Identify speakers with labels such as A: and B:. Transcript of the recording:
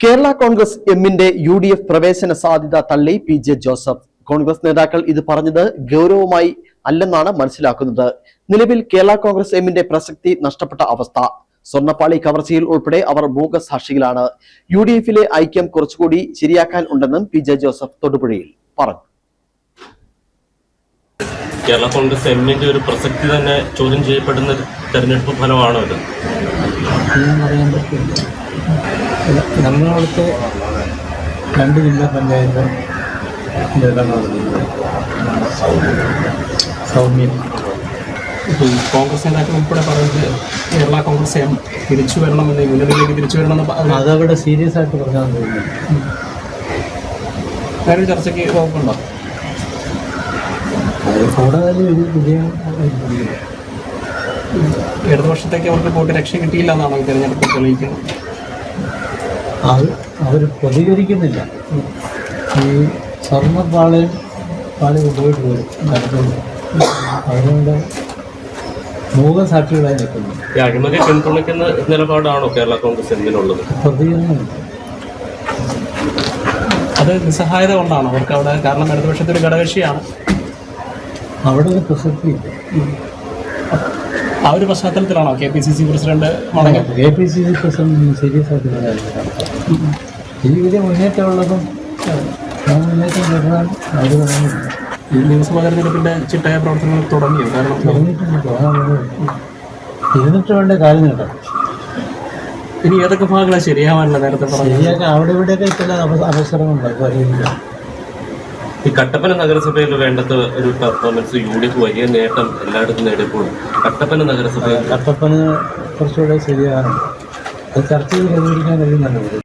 A: കേരള കോൺഗ്രസ് എമ്മിന്റെ UDF പ്രവേശന സാധ്യത തള്ളി PJ ജോസഫ്. കോൺഗ്രസ് നേതാക്കൾ ഇത് പറഞ്ഞത് ഗൗരവമായി അല്ലെന്നാണ് മനസ്സിലാക്കുന്നത്. നിലവിൽ കേരള കോൺഗ്രസ് എമ്മിന്റെ പ്രസക്തി നഷ്ടപ്പെട്ട അവസ്ഥ. സ്വർണ്ണപ്പാളി കവർച്ചയിൽ ഉൾപ്പെടെ അവർ മൂകസാക്ഷികളാണ്. UDFിലെ ഐക്യം കുറച്ചുകൂടി ശരിയാക്കാൻ ഉണ്ടെന്നും PJ ജോസഫ് തൊടുപുഴയിൽ പറഞ്ഞു.
B: കേരള കോൺഗ്രസ് എമ്മിന്റെ ഒരു പ്രസക്തി തന്നെ ചോദ്യം ചെയ്യപ്പെടുന്ന തെരഞ്ഞെടുപ്പ് ഫലമാണോ ഇത്?
C: നമ്മളടുത്ത് 2 ജില്ലാ പഞ്ചായത്ത് സൗമ്യം
D: കോൺഗ്രസ് നേതാക്കൾ ഉൾപ്പെടെ പറയുന്നത് കേരള കോൺഗ്രസ് എം തിരിച്ചു വരണമെന്ന്, യൂണിയനിലേക്ക് തിരിച്ചു വരണമെന്ന്
C: അതവിടെ സീരിയസ് ആയിട്ട് പറഞ്ഞാൽ തോന്നുന്നു.
D: വേറൊരു ചർച്ചയ്ക്ക് വകുപ്പുണ്ടോ?
C: കൂടുതൽ വിജയം
D: ഇടതുപക്ഷത്തേക്ക് അവർക്ക് വോട്ട് രക്ഷ കിട്ടിയില്ല എന്നാണ് ഈ തെരഞ്ഞെടുപ്പ് തെളിയിക്കുന്നത്.
C: അവർ പ്രതികരിക്കുന്നില്ല. ഈ സ്വർണ്ണപ്പാളി കൊണ്ടുപോയിട്ട് വരും നടത്തുന്നു. അതുകൊണ്ട് മൂകസാക്ഷികളായി നിൽക്കുന്നു.
B: ഈ അഴിമതി പിന്തുണയ്ക്കുന്ന നിലപാടാണോ കേരള കോൺഗ്രസ് എമ്മിനുള്ളത്?
C: പ്രതികരണമില്ല.
D: അത് നിസ്സഹായത കൊണ്ടാണ് അവർക്ക് അവിടെ, കാരണം ഇടതുപക്ഷത്തെ ഒരു ഘടകകക്ഷിയാണ്.
C: അവിടെ ഒരു പ്രസക്തിയില്ല.
D: ആ ഒരു പശ്ചാത്തലത്തിലാണോ KPCC പ്രസിഡന്റ് മടങ്ങി?
C: KPCC പ്രസിഡന്റ് സീരിയസ് ആയിട്ട് ഈ വലിയ മുന്നേറ്റമുള്ളതും മുന്നേറ്റം കിട്ടാൻ അവർ തുടങ്ങിയില്ല.
D: ഈ നിയമസഭാ തെരഞ്ഞെടുപ്പിന്റെ ചിട്ടയായ പ്രവർത്തനങ്ങൾ തുടങ്ങിയോ? കാരണം
C: ഇരുന്നിട്ട് വേണ്ട കാര്യം കേട്ടോ.
D: ഇനി ഏതൊക്കെ ഭാഗങ്ങളാണ് ശരിയാവാനുള്ള? നേരത്തെ
C: ശരിയാക്കാൻ അവിടെ ഇവിടെയൊക്കെ ചില അവസരങ്ങളുണ്ടാകും. അറിയില്ല.
B: ഈ കട്ടപ്പന നഗരസഭയിൽ വേണ്ടത് ഒരു പെർഫോമൻസ് UDF വലിയ നേട്ടം എല്ലായിടത്തും നേടിയപ്പോൾ കട്ടപ്പന നഗരസഭയിൽ
C: കുറച്ചുകൂടെ ശരിയാകാറുണ്ട്. അത് ചർച്ച ചെയ്ത് പരിഹരിക്കാൻ കഴിയുന്നല്ലോ.